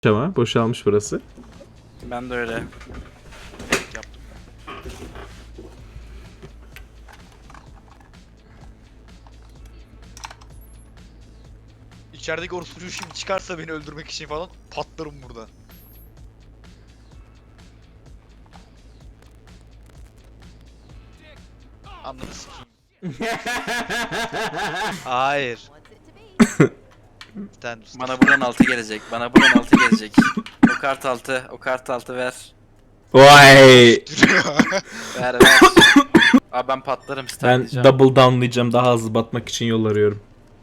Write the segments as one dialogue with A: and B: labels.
A: Ama boşalmış burası.
B: Ben de öyle.
C: Yaptım. İçerideki orospucu şimdi çıkarsa beni öldürmek için falan patlarım burada. Anladın sikeyim. Hayır. Sen
B: Bana buradan 6 gelecek. Bana buradan 6 gelecek. O kart 6. O kart 6 ver.
A: Vay!
B: Ver. Abi ben patlarım.
A: Ben
B: Startlayacağım.
A: double downlayacağım, daha hızlı batmak için yol arıyorum.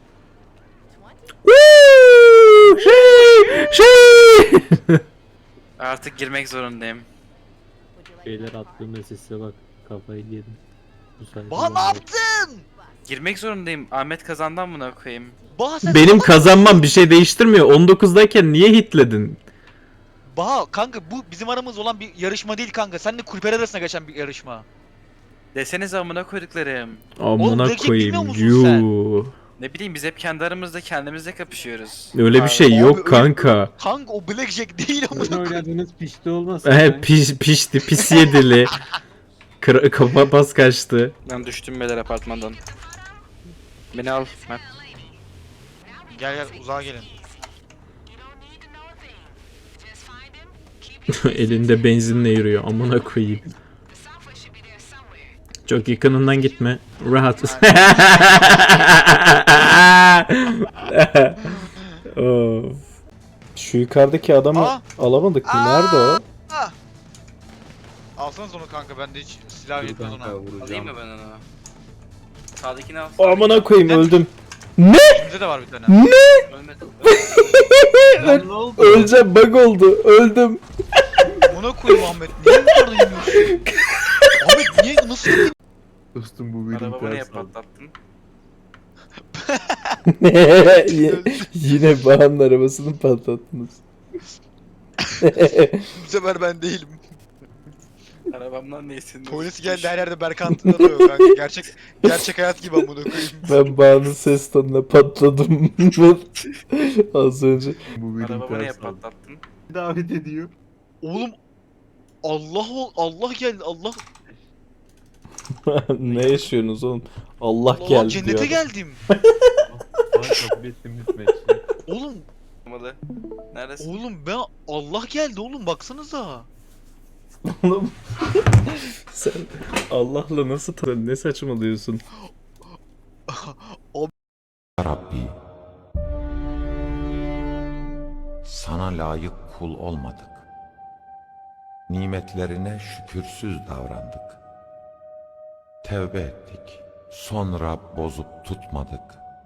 B: Artık girmek zorundayım.
D: Şeyler attığımda sesle bak kafayı yedim. Bu sayede
C: Baha ne yaptın?
B: Girmek zorundayım. Ahmet kazandan buna koyayım.
C: Baha sen
A: Benim
C: salak
A: kazanmam bir şey değiştirmiyor. 19'dayken niye hitledin?
C: Baha kanka bu bizim aramızda olan bir yarışma değil kanka. Seninle kulüpler arasında geçen bir yarışma.
B: Desenize amına koyduklarım.
A: Amına
C: Blackjack
A: koyayım.
C: bilmiyor musun sen?
A: Yuu.
B: Ne bileyim biz hep kendi aramızda kendimizle kapışıyoruz.
A: Öyle bir
B: Abi,
A: şey
C: Abi
A: yok
C: öyle-
A: kanka.
C: Kanka o blackjack değil
D: Oyun
C: amına koyayım.
D: oynadığınız pişti olmasın.
A: Pişti, pis yedili. Kafa pas kaçtı.
B: Ben düştüm beyler apartmandan. Beni al. Mert.
C: Gel gel uzağa gelin.
A: Elinde benzinle yürüyor. Amına koyayım. Çok yakınından gitme. Rahat. Of. Şu yukarıdaki adamı
C: Aa!
A: alamadık mı?
C: Aa!
A: Nerede o?
C: Alsanız onu kanka bende hiç silah yetmez ona.
B: Alayım mı ben onu? Sağdakini al.
A: Amına koyayım, öldüm.
C: Bizde de var bir tane.
B: Ölmedim.
D: Lan ne oldu?
A: Öleceğim, bug oldu. Öldüm.
C: Buna koyayım Ahmet. Niye bu kadar yemiyorsun? Ahmet niye nasıl yedin?
E: Dostum bu benim
B: Arabamı niye
E: ters aldı.
B: patlattın?
A: Yine Bahan'ın arabasını patlattınız.
C: Bu sefer ben değilim.
B: Arabamdan neysin?
C: Polis geldi her yerde Berkant arıyor kanka. Gerçek hayat gibi amına koyayım.
A: Ben Bahan'ın ses tonuna patladım. Az önce.
E: Bu benim
B: Arabamı niye
E: ters aldı.
B: patlattın?
E: Davet ediyor.
C: Oğlum Allah geldi Allah.
A: Ne yaşıyorsunuz oğlum? Allah
C: Allah
A: geldi
C: cennete
A: diyor.
C: geldim.
E: Bana kabul ettim lütfen.
C: Oğlum
B: Olmalı. Neredesin?
C: oğlum ben Allah geldi oğlum baksanıza.
A: Oğlum. Sen Allah'la nasıl ne saçmalıyorsun?
F: Rabbi, sana layık kul olmadık. Nimetlerine şükürsüz davrandık. Tevbe ettik, sonra bozup tutmadık.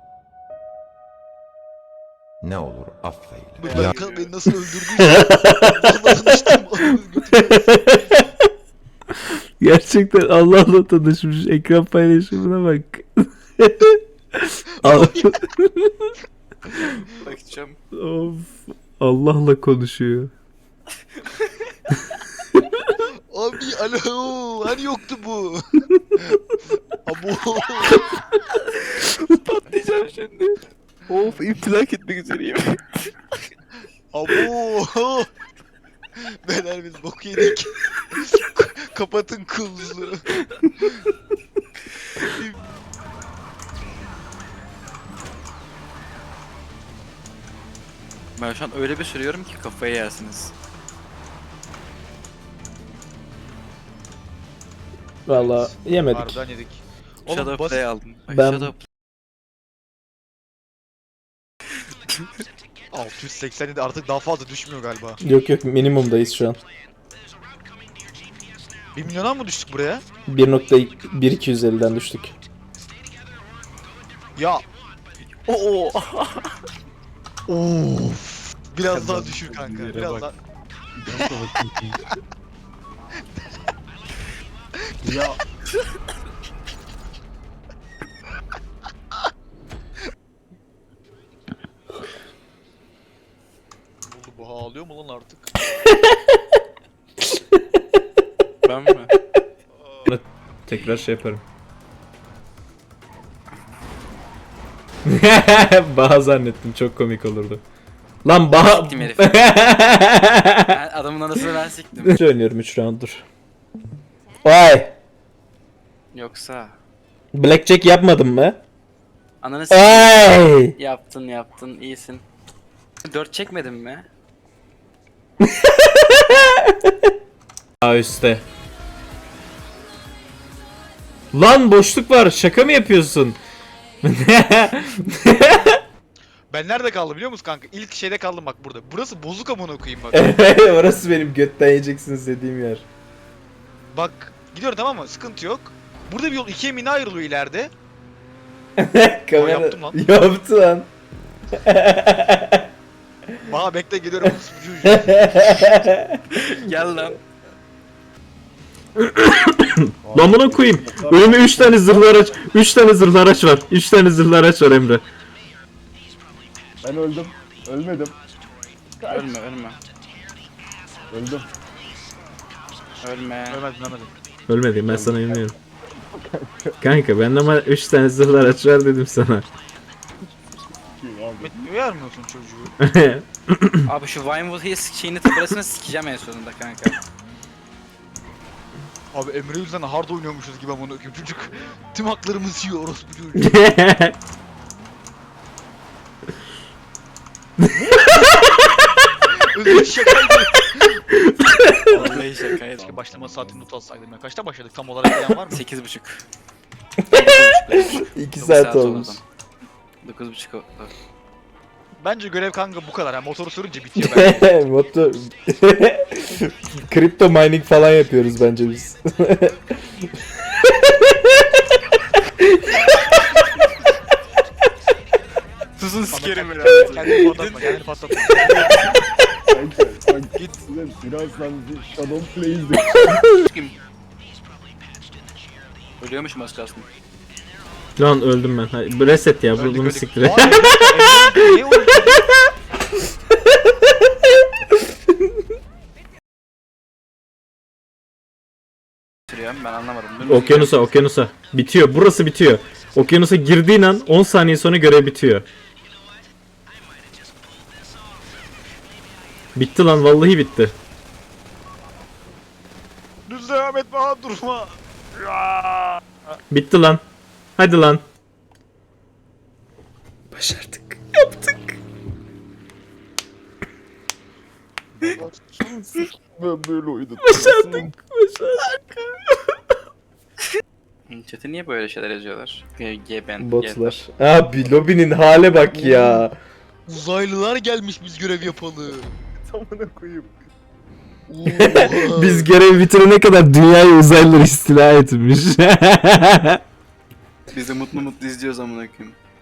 F: Ne olur affeyle. Ya
C: Berkant beni nasıl öldürdüyse. Allah'la tanıştım.
A: Gerçekten Allah'la tanışmış. Ekran paylaşımına bak. Al-
B: Bakacağım.
A: of. Allah'la konuşuyor.
C: Abi alo hani yoktu bu. Abo.
B: Patlayacağım şimdi. Of imtilak etmek üzereyim.
C: Abo. Beyler biz bok yedik. Kapatın kılıçları.
B: Ben şu an öyle bir sürüyorum ki kafayı yersiniz.
A: Valla yemedik.
C: Harbiden yedik. Oğlum
B: Shadow
C: basit.
B: Play aldım. Ay,
A: Ben-
B: Shadow
C: 687 artık daha fazla düşmüyor galiba.
A: Yok yok, minimumdayız şu an.
C: 1 milyona mı düştük buraya?
A: 1.1250'den düştük.
C: Ya.
B: Oo.
C: Of. Biraz daha düşür kanka.
E: Yere
C: Biraz
E: bak.
C: daha.
E: Yan savaşın ki. Ya
C: Oldu bu ağlıyor mu lan artık?
B: Ben mi?
A: Tekrar şey yaparım. Baha zannettim, çok komik olurdu. Lan Baha...
B: Siktim herifi. Ben adamın anasını ben siktim.
A: Üç oynuyorum 3 round'dur. Vay.
B: Yoksa
A: Blackjack yapmadın mı?
B: ananı siktim.
A: Ay.
B: Yaptın iyisin. 4 çekmedin mi?
A: Aa üstte. Lan boşluk var. Şaka mı yapıyorsun?
C: Ben nerede kaldım biliyor musun kanka? İlk şeyde kaldım bak burada. Burası bozuk amına koyayım bak.
A: Orası benim götten yiyeceksiniz dediğim yer.
C: Bak gidiyorum tamam mı? Sıkıntı yok. Burada bir yol ikiye mi ne ayrılıyor ileride?
A: Kamera...
C: yaptım lan.
A: Yaptı lan.
C: Bana bekle geliyorum. Ucu.
B: Gel lan.
A: Lan buna koyayım. Önüme 3 tane zırhlı araç. 3 tane zırhlı araç var. 3 tane zırhlı araç var Emre.
E: Ben öldüm. Ölmedim.
B: Ölme.
E: Öldüm.
B: Ölme.
C: Ölmedim.
A: Ölmedim ben sana inanıyorum. Kanka ben ama 3 tane zırhlı araç var dedim sana.
C: Metin uyarmıyorsun çocuğu.
B: Abi şu Vinewood Hills şeyini taburasını sikeceğim en sonunda kanka.
C: Abi Emre yüzünden hard oynuyormuşuz gibi amına koyayım çocuk. Tüm haklarımızı yiyor orospu çocuğu. Özür şakaydı.
B: Vallahi şakaydı.
C: Keşke başlama saatini not alsaydım ya. Kaçta başladık tam olarak bilen var mı?
B: 8.30.
A: 2 saat olmuş.
B: 9.30 oldu.
C: Bence görev kanka bu kadar. Yani motoru sürünce bitiyor bence.
A: Motor... Kripto mining falan yapıyoruz bence biz.
B: Susun sikerim
C: Kendini patlatma, kendini patlatma.
E: Kanka git. Birazdan bir Shadow Play izle.
B: Ölüyormuşum az kalsın.
A: Lan öldüm ben. Hayır, reset ya bunu
C: Öldük.
A: siktir et.
C: Vay be, Emre, niye öldün?
B: Sürüyorum ben anlamadım.
A: Okyanusa. Bitiyor. Burası bitiyor. Okyanusa girdiğin an 10 saniye sonra görev bitiyor. Bitti lan vallahi bitti.
C: Düz devam etme ha durma. Ya.
A: Bitti lan. Hadi lan. Başardık. Yaptık.
E: Ben böyle oynadım.
A: Başardık.
B: Chat'e niye böyle şeyler yazıyorlar? G-Ben.
A: Botlar. Abi lobinin hale bak ya.
C: Uzaylılar gelmiş biz görev yapalı.
E: Tamına koyayım.
A: Biz görev bitirene kadar dünyayı uzaylılar istila etmiş.
B: Biz de mutlu mutlu izliyoruz amına koyayım.